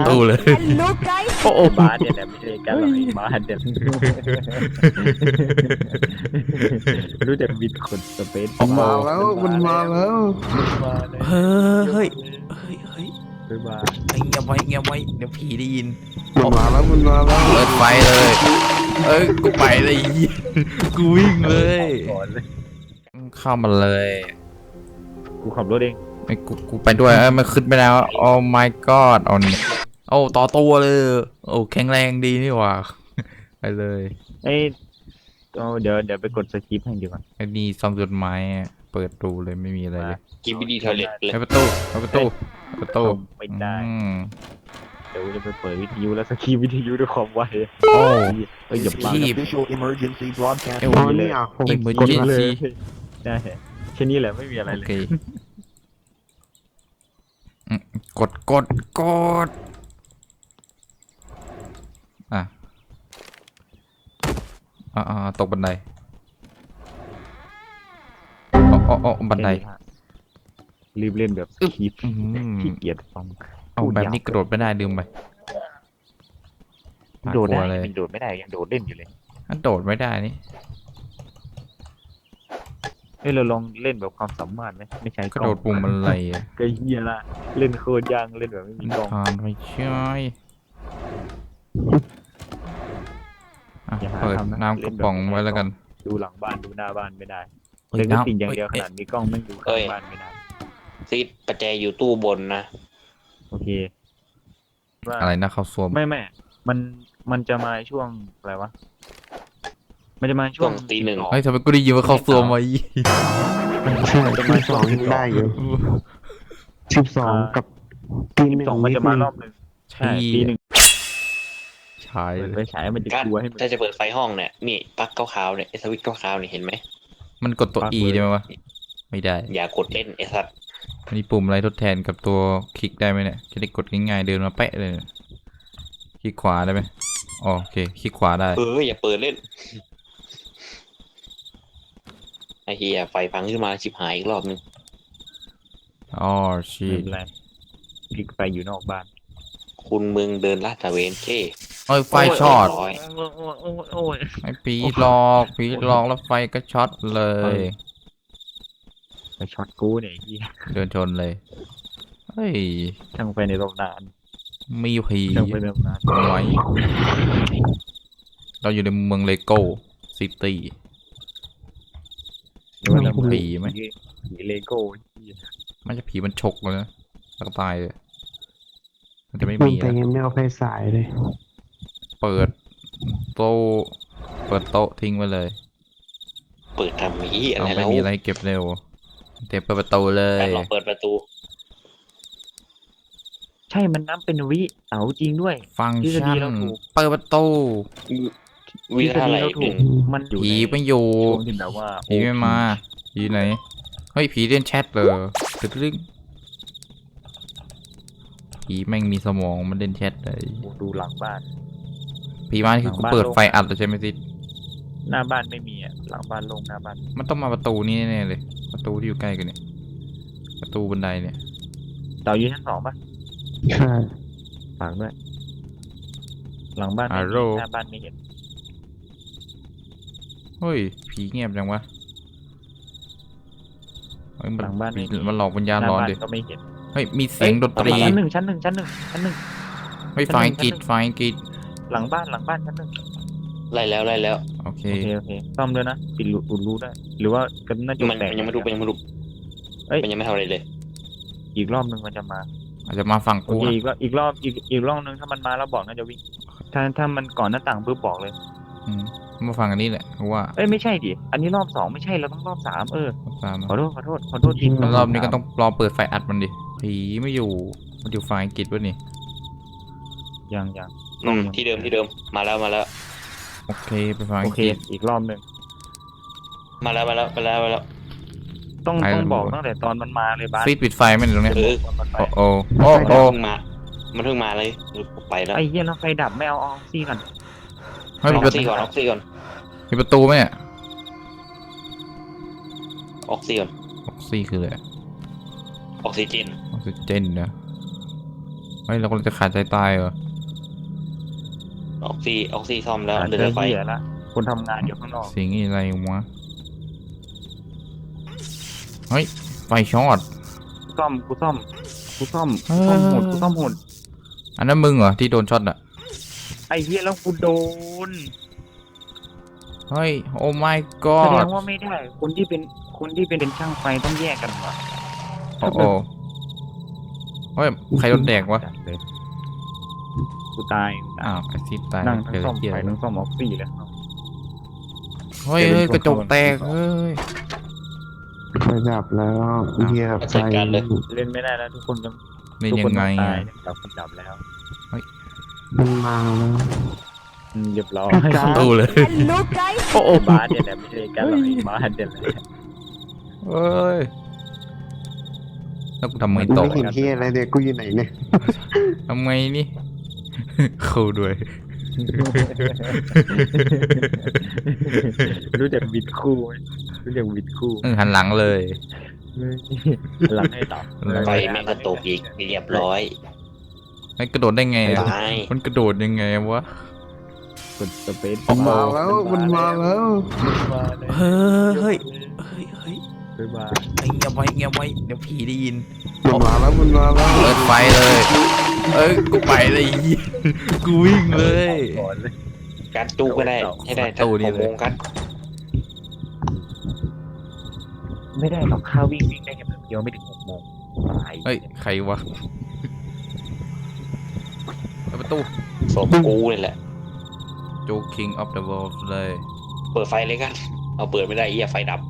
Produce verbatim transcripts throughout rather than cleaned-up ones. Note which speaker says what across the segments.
Speaker 1: ตูเลย
Speaker 2: Hello guys
Speaker 1: โอ้โห
Speaker 3: บ้านเนี่ยแต่ไม่ใช่กันหรอกไอ้บ้านเนี่ยรู้จักบินขนสเปซ
Speaker 4: มันมาแล้วมันมาแล้ว
Speaker 3: มาเลย
Speaker 1: เฮ้ยเฮ้ยเฮ้ยเฮ้ย
Speaker 3: บ๊ายบาย
Speaker 1: ไอ้เงียบไว้เงียบไว้เดี๋ยวผีได้ยิน
Speaker 4: มันมาแล้วมันมาแล้ว
Speaker 1: เปิดไฟเลยเอ้ยกูไปเลยกูวิ่งเลย
Speaker 3: ก่อนเลย
Speaker 1: เข้ามาเลย
Speaker 3: กูขับรถเอง
Speaker 1: ไอ้กูกูไปด้วยเอ้ยมันขึ้นไปแล้วโอ้ my god เอานี่โอ้ต่อตัวเลยโอ้แข็งแรงดีนี่หว่าไปเลย
Speaker 3: เอ้ยเอาเดี๋ยวเดี๋ยวไปกดสคริปต์ให้ดีกว่า
Speaker 1: ไอ้นี่ซองจดหมายอะเปิดดูเลยไม่มีอะไรเลย
Speaker 5: กินบิดีทอยเล็ตเลย
Speaker 1: ไอ้ประตูไอ้ประตูไอ้ประตู
Speaker 3: ไม่ได้
Speaker 1: อืม
Speaker 3: เดี๋ยวจะไปเปิดวิทยุแล้วสคริปต์วิทยุด้วยความไว
Speaker 1: โอ้
Speaker 3: เอ้ยอย่าบัง
Speaker 1: Keep
Speaker 6: Official emergency broadcast.
Speaker 1: เอ้ย
Speaker 4: อ๋อนี่อ่ะผม
Speaker 1: อีเมอร์
Speaker 3: กด
Speaker 1: เจน
Speaker 3: เลย
Speaker 1: ซี
Speaker 3: ได้แค่นี้แหละไม่มีอะไร
Speaker 1: โอ
Speaker 3: เลย
Speaker 1: เคอืมกดกดกดอ่ะอ่าอ่าตกบันไดอ๋ออ๋ออ๋อบันได
Speaker 3: รีบเล่นแบบสคริปต์
Speaker 1: อืม
Speaker 3: ขี้เกียจฟัง
Speaker 1: เอาแบบนี้กระโดดไม่ได้ลืมไป
Speaker 3: โดดได้
Speaker 1: น่ากลัวเลย
Speaker 3: ยังโดดไม่ได้ยังโดดเล่นอยู่เลย
Speaker 1: ถ้าโดดไม่ได้นี่
Speaker 3: เฮ้ยเราลองเล่นแบบความสามารถไหมไม่ใช่
Speaker 1: กระโดดปุ่มอะไรอ่ะ
Speaker 3: ก็เฮียละเล่นโคตรยางเล่นแบบไม่มีกล้อง
Speaker 1: ทานไม่ใช่อ่ะ
Speaker 3: อย่าหา
Speaker 1: เปิด
Speaker 3: ทำนะ
Speaker 1: น้ำกระป๋องไว้แล้วกัน
Speaker 3: ดูหลังบ้านดูหน้าบ้านไม่ได้
Speaker 1: เฮ้ย
Speaker 3: เล่นก็
Speaker 1: น้ำ
Speaker 3: สิ่งอย่างเดียวข
Speaker 1: เอ้ย
Speaker 3: นาดมีกล้องไม่ดูข้างบ้านไม่ได้
Speaker 5: ซีดประแจอยู่ตู้บนนะ
Speaker 3: โอเคว่า
Speaker 1: อะไรนะเขาสวม
Speaker 3: ไม่ไม่มันมันจะมาช่วงอะไรวะมันจะมาช่
Speaker 5: ช่
Speaker 3: ว
Speaker 5: ว
Speaker 3: ง
Speaker 5: งตีหนึ่ง
Speaker 1: เฮ้ยทำไมกูได้ยินว่าเขาสวมไว้
Speaker 4: ใช่สิบสองยังได้อยู่สิบสองกับตีหนึ่ง
Speaker 3: สองมันจะมารอบหนึ่ง
Speaker 1: ใช่
Speaker 3: ใช่ตีหนึ่ง
Speaker 1: ใช่
Speaker 3: เปิดไฟฉายมันจะ
Speaker 5: การ
Speaker 3: กลัวให้มัน
Speaker 5: ถ้าจะเปิดไฟห้องเนี่ยนี่ปลั๊กขาวๆเนี่ยไอ้สวิตช์ขาวๆเนี่ยเห็นไหม
Speaker 1: มันกดตัว
Speaker 3: ปลั๊ก
Speaker 1: E
Speaker 3: เลย
Speaker 1: ได้ไหมวะไม่ได้
Speaker 5: อย่ากดเล่นไอ้สัตว์
Speaker 1: มีปุ่มอะไรทดแทนกับตัวคลิกได้ไหมเนี่ยจะได้กดง่ายๆเดินมาแปะเลยเนี่ยคลิกขวาได้ไหมอ๋อโอเคคลิกขวาได้
Speaker 5: เอออย่าเปิดเล่นไอ้เฮียไฟพังขึ้นมาชิบหายอีกรอบนึง
Speaker 1: อ๋อชี
Speaker 3: ไม่เป็นไรพลิกไปอยู่นอกบ้าน
Speaker 5: คุณมึงเดินลาดตระเวนเช่
Speaker 1: เอ้ยไฟช็อต
Speaker 5: โย
Speaker 3: โอ้ยโอ้ยโอ้ยโอ้ย
Speaker 1: ไอ้ปีหลอกปีหลอกแล้วไฟก็ช็อตเลย
Speaker 3: ไปช็อตกูเนี่ยไอ้เหี้ย
Speaker 1: เดินชนเลยเฮ้ย
Speaker 3: ช่างไปในตำนาน
Speaker 1: มีผี
Speaker 3: ช่างไปในตำนาน
Speaker 1: ไว้เราอยู่ในเมืองเลโก้ซิตี้
Speaker 3: หรือว่าจะ
Speaker 1: ผีไหม
Speaker 3: ผีเลโก้ไอ้เหี้ย
Speaker 1: มันจะผีมันฉกเลยนะแล้วก็ตายเลยมันจะไม่
Speaker 4: มัน
Speaker 1: มี
Speaker 4: แต่
Speaker 1: นะ
Speaker 4: ยังไม่เอาไฟสายเลย
Speaker 1: เปิดโต๊ะเปิดโต๊ะทิ้งไว้เลย
Speaker 5: เปิดทำนี้อะไร
Speaker 1: เอาไม่
Speaker 5: แล้ว
Speaker 1: มีอะไรให้เก็บเร็วเตะเปิดประตูเล
Speaker 5: การ
Speaker 1: ย
Speaker 5: ลองเปิดประตู
Speaker 3: ใช่มันนับเป็นวิเอาจริงด้วย
Speaker 1: ฟังก์
Speaker 3: ทฤษฎี
Speaker 1: ชัน
Speaker 3: เราถูก
Speaker 1: เปิดประตู
Speaker 5: วิธีอะไร
Speaker 3: ทฤษฎีเรา
Speaker 5: ห
Speaker 3: ถู
Speaker 5: นึ่
Speaker 3: ก
Speaker 5: ง
Speaker 3: มันอยู่
Speaker 1: ผี
Speaker 3: ใน
Speaker 1: ไม่อยู่
Speaker 3: ช่วงที่แบบว่า
Speaker 1: ผีไม่มาผีไหนเฮ้ยผีเล่นแชทเลยตึ๊ดตึ๊ดผีแม่งมีสมองมันเล่นแชทเลย
Speaker 3: โอ้ดูหลังบ้าน
Speaker 1: ผีมานี่คือกูเปิดไฟอัดเลยใช่ไหมซิ
Speaker 3: หน้าบ้านไม่มีอ่ะหลังบ้านโล่งหน้าบ้าน
Speaker 1: มันต้องมาประตูนี้แน่ๆเลย ประตูที่อยู่ใกล้กันเนี่ยประตูบันไดเนี่ย
Speaker 3: เต่าอยู่ชั้นสองปะ
Speaker 4: ใช่
Speaker 3: ฝากด้วยหลังบ้านไม่
Speaker 1: ฮัลโหล
Speaker 3: มีหน้าบ้านไม่เห็น
Speaker 1: เฮ้ยผีเงียบจังวะเฮ้ยมัน
Speaker 3: หลังบ้านไม่มี
Speaker 1: มันหลอกวิญญาณ
Speaker 3: หน้า
Speaker 1: ร้อน
Speaker 3: บ้าน
Speaker 1: ดิ
Speaker 3: ก็ไม่เห็น
Speaker 1: เฮ้ยมีเสียงดนตรี
Speaker 3: ชั้นหนึ่งชั้นหนึ่งชั้นหนึ่งชั้นหนึ่ง
Speaker 1: เฮ้ยไฟกรีดไฟกรีด
Speaker 3: หลังบ้านหลังบ้านชั้นหนึ่ง
Speaker 5: ไล่แล้วไล่แล้ว
Speaker 1: โอเค
Speaker 3: โอเคโอเคซ่อมด้วยนะปิดรูอุดรูได้ หรือว่ากันน่าจะ
Speaker 5: มัน
Speaker 3: แตก
Speaker 5: มันยังไม่รู้มันยังไม่รู้
Speaker 3: เอ้ย
Speaker 5: มันยังไม่ทำอะไรเลย
Speaker 3: อีกรอบหนึ่งมันจะมา
Speaker 1: อาจจะมาฝั่ง
Speaker 3: โอ
Speaker 1: กู
Speaker 3: เค
Speaker 1: อะ
Speaker 3: อีกรอบอีกรอบอีกอีกรอบหนึ่งถ้ามันมาแล้วบอกน่าจะวิ่งถ้าถ้ามันก่อนหน้าต่างปุ๊บบอกเลย
Speaker 1: อืมมาฝั่งอันนี้แหละกูว่า
Speaker 3: เอ้ยไม่ใช่ดิอันนี้รอบสองไม่ใช่เราต้องรอบสามเออ
Speaker 1: ตามมา
Speaker 3: ขอโทษขอโทษขอโทษทีม
Speaker 1: แล้วรอบนี้ก็ต้องรอเปิดไฟอัดมันดิผีไม่อยู่มันอยู่ไฟกรีดวะนี่
Speaker 3: ยังยัง
Speaker 5: อืมที่เดิมที่เดิมมาแล้วมาแล้ว
Speaker 1: โอเคไปไฟ
Speaker 3: โอก เค
Speaker 1: รีด
Speaker 3: อีกรอบหนึ่ง
Speaker 5: มาแล้วมาแล้วมาแล้วมาแล้ว
Speaker 3: ต้อง
Speaker 1: ไป
Speaker 3: ต้อง
Speaker 1: แล้ว
Speaker 3: บอกตั้งแต่ตอนมันมาเลยบ้าน
Speaker 1: ซีดปิดไฟไหมเนี่ยตรงเนี้ย
Speaker 5: เออ
Speaker 3: ตอนมันไป
Speaker 1: โอ้โอ้โอ้
Speaker 5: มัน
Speaker 1: โอ้
Speaker 5: เพิ่งมา มันเพิ่งมาเลยไปแล้ว
Speaker 3: ไอ้เหี้ยแล้วไฟดับไม่เอาออกซี่กัน
Speaker 1: เฮ้ย
Speaker 5: อ
Speaker 1: มี
Speaker 5: อ
Speaker 1: ป
Speaker 5: ก
Speaker 1: ระ
Speaker 5: ซี
Speaker 1: ตู
Speaker 5: ก่อนออกซีก่อน
Speaker 1: มีประตูไหมเนี่ย
Speaker 5: ออกซีก่อน
Speaker 1: ออกซิคืออะไร
Speaker 5: ออกซิเจน
Speaker 1: ออกซิเจนนะโอฮ้ยเรากำลังจะขาดใจตายเหรอ
Speaker 5: ออกซีออกซีซ่อมแล้ว
Speaker 3: หา
Speaker 5: เหลื
Speaker 3: เจ
Speaker 5: อ
Speaker 3: อ
Speaker 5: ไฟ
Speaker 3: เหี้ยละคนทำงานอยู่ข้างนอก
Speaker 1: เสียงอะไรวะเฮ้ยไฟช็อต
Speaker 3: ซ่อมกูซ่อมกูซ่อม
Speaker 1: เอ
Speaker 3: กู
Speaker 1: อ
Speaker 3: ซ่อมหุ่นกูซ่อมหุ่น
Speaker 1: อันนั้นมึงเหรอที่โดนช็อตอะ
Speaker 3: ไอ้เหี้ยแล้วกูโดน
Speaker 1: เฮ้ยโอ้ my
Speaker 3: แสด
Speaker 1: god
Speaker 3: งว่าไม่ได้ คนที่เป็นคนที่เป็นช่างไฟต้องแยกกันว่ะ
Speaker 1: โอ้โหเฮ้ยใครโดนแดกวะ
Speaker 3: กูตายกูตาย
Speaker 1: อ้าวไอซิดตาย
Speaker 3: นั่งทั้ง
Speaker 1: เกิด
Speaker 3: ซ่อม
Speaker 1: เกีย
Speaker 3: ไฟ
Speaker 1: ร์
Speaker 3: ทั้งซ่อมออกซี่เลย
Speaker 1: เฮ้ยเฮ้ยกระจกแตกเฮ้ย
Speaker 4: ไฟดับแล้วเหยียบไฟ
Speaker 3: เล่นไม่ได้แล้วทุกคนต้อง
Speaker 1: นี่
Speaker 3: ทุก
Speaker 1: ยั
Speaker 3: คน
Speaker 1: งไง
Speaker 3: ต้อง
Speaker 1: อ่ะ
Speaker 3: ตายดับคนดับแล้ว
Speaker 4: มันมาแล้ว
Speaker 3: อืมเรียบร้อย
Speaker 4: กระจาย
Speaker 1: ตู้เลย
Speaker 2: Hello guys.
Speaker 1: โอ้โห
Speaker 3: บ้านเนี่ยแหละไม่ใช่กันหรอกไอ้บ้านเนี่ยแหละ
Speaker 1: เฮ้ยแล้วกูทำไง
Speaker 4: กู
Speaker 1: ต่อ
Speaker 4: ไม่เห็นที่อะไรเนี่ยกูอยู่ไหนเนี่ย
Speaker 1: ทำไงนี่ เข้าด้วย
Speaker 3: รู้จักบิดคู่ไหมรู้จักบิดคู่
Speaker 1: เออหันหลังเลย
Speaker 3: หลังให้ดับ
Speaker 5: ไฟแม่งก็ตกอีกเรียบร้อย
Speaker 1: ไอ้กระโดดได้ไงอะ
Speaker 5: ตาย
Speaker 1: มันกระโดดยังไงวะ
Speaker 3: กดสเปซ
Speaker 4: มันมาแล้วมันมาแล้ว
Speaker 3: มาแล้ว
Speaker 1: เฮ้ยเฮ้ยเฮ้ยเฮ้ย
Speaker 3: ไปมา
Speaker 1: ไอ้เงียบไว้เงียบไว้เดี๋ยวผีได้ยิน
Speaker 4: มันมาแล้วมันมาแล้ว
Speaker 1: เปิดไฟเลย เอ้ยกูไปเลยอี กูวิ่งเลย
Speaker 3: ก่อนเลย
Speaker 5: กัดตู้ก็ได้ให้ได้
Speaker 1: ตู้นี่
Speaker 5: หก
Speaker 1: เลย
Speaker 5: โมงกัด
Speaker 3: ไม่ได้หรอกข้าวิ่งวิ่งได้แค่แป๊บเดียวไม่ถึงหกโมงตาย
Speaker 1: เฮ้ยใครวะเปิดประตู
Speaker 5: ศพกูนี่แหละ
Speaker 1: โจ King of the World เลย
Speaker 5: เปิดไฟเลยกัน เอาเปิดไม่ได้เหี้ยไฟดับ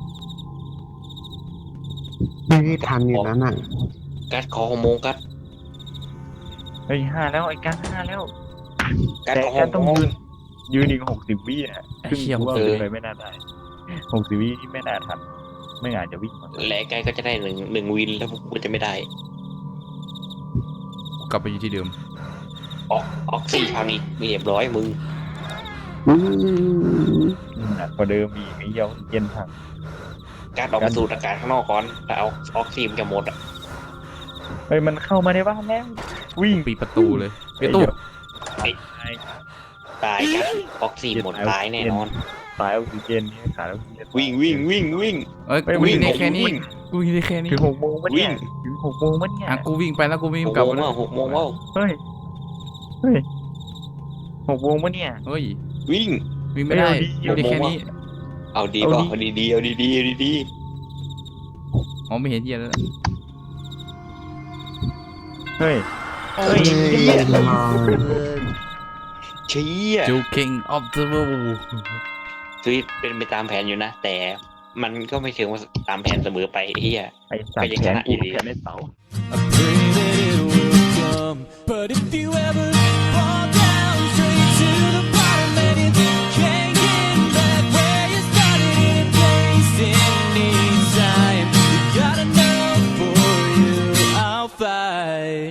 Speaker 4: ไม่ได้ทันอยู่นั้นอ่ะ
Speaker 5: กัดขอหกโมงกัด
Speaker 3: เฮ้ยห้าแล้วไอ้การห้าแล้ว
Speaker 5: กัด
Speaker 3: แต่
Speaker 5: ขอห
Speaker 3: การ
Speaker 5: ก
Speaker 3: ต้อง
Speaker 5: โมง
Speaker 3: ยืนยืนอีกหกสิบวิอ่ะ
Speaker 1: ไอ้
Speaker 3: ซึ่ง
Speaker 1: เหี้ย
Speaker 3: กูว่า
Speaker 5: เออ
Speaker 3: เดินไปไม่น่าได้หกสิบวิที่ไม่น่าทันไม่อาจจะวิ่งมา
Speaker 5: และไกลก็จะได้หนึ่งหนึ่งวินแล้วพวกกูจะไม่ได้
Speaker 1: กลับไปอยู่ที่เดิม
Speaker 5: ออกออกซี่คราวนี้เรียบร้อยมึง
Speaker 4: อืม
Speaker 3: หนักกว่าเดิมอีกไอ้เหี้ยเย็นพัง
Speaker 5: กัดออกมาสูดอากาศข้างนอกก่อนแล้วเอาออกซิมันจะหมดอ่ะ
Speaker 3: เฮ้ยมันเข้ามาในบ้านแล้ววิ่ง
Speaker 1: ปิดประตูเลยปิดประตู
Speaker 3: ไอ้ไอ้
Speaker 5: ตายกัดออกซิหมดตายแน่นอน
Speaker 3: สายออกซิเจนนี่ขาดออกซิเจน
Speaker 5: วิ่งวิ่งวิ่งวิ่ง
Speaker 1: เอ้ย
Speaker 3: เฮ้ย
Speaker 1: กูวิ่ง
Speaker 3: วิ่ง
Speaker 1: ได้แค่นี้
Speaker 5: วิ่ง
Speaker 1: กูวิ่งได้แค่นี้
Speaker 3: ถึงหกโมงปะเนี่ย
Speaker 5: วิ่ง
Speaker 3: ถึงหกโมงปะเนี่ย
Speaker 1: อ่ะกูวิ่งไปแล้วกูวิ่ง
Speaker 5: หก
Speaker 1: กลับ
Speaker 5: โมง
Speaker 1: มา
Speaker 5: ว่าหกโมงว่า
Speaker 3: เฮ้ยเฮ้ยหกโมงปะเนี่ย
Speaker 1: เฮ้ย
Speaker 5: วิ่ง
Speaker 1: วิ่งไม่ได้
Speaker 3: เอ้ยเอาดิ
Speaker 1: วิ่งได้แค่นี้
Speaker 5: เอาดี
Speaker 3: เอา
Speaker 5: เปล่า
Speaker 3: ดิ
Speaker 5: เอาดีดีๆเอาดีดีๆเอาดีดี
Speaker 1: อ๋อไม่เห็นเหี้ยแล้ว
Speaker 3: เฮ้ย
Speaker 1: โอ้
Speaker 3: เฮ้ย
Speaker 4: เย็นมา
Speaker 5: ๆเชี่ย
Speaker 1: โจ King of the World
Speaker 5: ชีวิตเป็นไปตามแผนอยู่นะ แต่มันก็ไม่เชิงว่าตามแผนเสมอไปไอ้เฮีย
Speaker 3: ไอ้สัต
Speaker 5: ก็
Speaker 3: ว์
Speaker 5: ยัง
Speaker 3: แข
Speaker 5: ช
Speaker 3: น
Speaker 5: นะอ
Speaker 3: กู
Speaker 5: ยู่ดี
Speaker 3: แขนในเสา
Speaker 6: I pray that it will come. But if you ever fall down straight to the bottom and you can't get back where you started in a place in time, you gotta know for you I'll fight.